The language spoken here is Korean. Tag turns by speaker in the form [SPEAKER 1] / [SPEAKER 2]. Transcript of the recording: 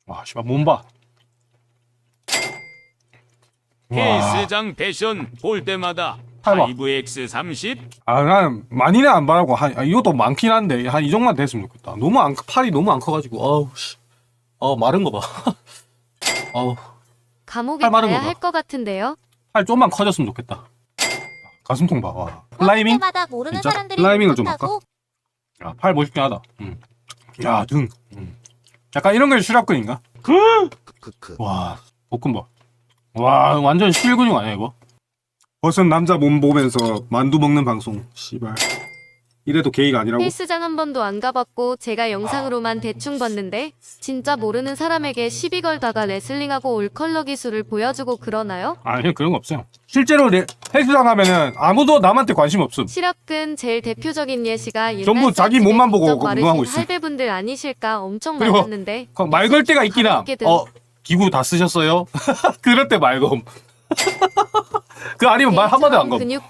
[SPEAKER 1] 와 씨발 몸봐.
[SPEAKER 2] 헬스장 패션 볼 때마다
[SPEAKER 1] 해봐.
[SPEAKER 2] 5X30
[SPEAKER 1] 아, 난 많이는 안 바라고 이것도 많긴 한데 한 이 정도만 됐으면 좋겠다. 너무 팔이 너무 안 커가지고 어우 씨. 마른 거 봐. 어우
[SPEAKER 3] 감옥에
[SPEAKER 1] 팔 마른
[SPEAKER 3] 가야
[SPEAKER 1] 거다.
[SPEAKER 3] 할 것 같은데요.
[SPEAKER 1] 팔 좀만 커졌으면 좋겠다. 가슴통 봐. 와. 플라이밍?
[SPEAKER 4] 때마다 모르는
[SPEAKER 1] 진짜?
[SPEAKER 4] 사람들이
[SPEAKER 1] 플라이밍을 좀
[SPEAKER 4] 못하고
[SPEAKER 1] 야, 팔 멋있긴 하다. 야, 등. 약간 이런 게 실업근인가?
[SPEAKER 5] 크크.
[SPEAKER 1] 와, 볶음밥. 와, 완전 실근육 아니야, 이거? 벗은 남자 몸 보면서 만두 먹는 방송. 씨발. 이래도 게이가 아니라고?
[SPEAKER 3] 헬스장 한 번도 안 가봤고 제가 영상으로만 대충 봤는데 진짜 모르는 사람에게 시비 걸다가 레슬링하고 올컬러 기술을 보여주고 그러나요?
[SPEAKER 1] 아니, 그런 거 없어요. 실제로 헬스장 하면은 아무도 남한테 관심 없음.
[SPEAKER 3] 실업근 제일 대표적인 예시가 옛날
[SPEAKER 1] 전부 자기
[SPEAKER 3] 쌀집에
[SPEAKER 1] 몸만 보고
[SPEAKER 3] 직접
[SPEAKER 1] 운동하고
[SPEAKER 3] 마르신
[SPEAKER 1] 있어.
[SPEAKER 3] 할배분들 아니실까 엄청
[SPEAKER 1] 그리고
[SPEAKER 3] 많았는데
[SPEAKER 1] 말 걸 때가 있긴 함.
[SPEAKER 3] 가볍게든.
[SPEAKER 1] 기구 다 쓰셨어요? 그럴 때 말고. 그 아니면 말 한마디 안 가.
[SPEAKER 3] 근육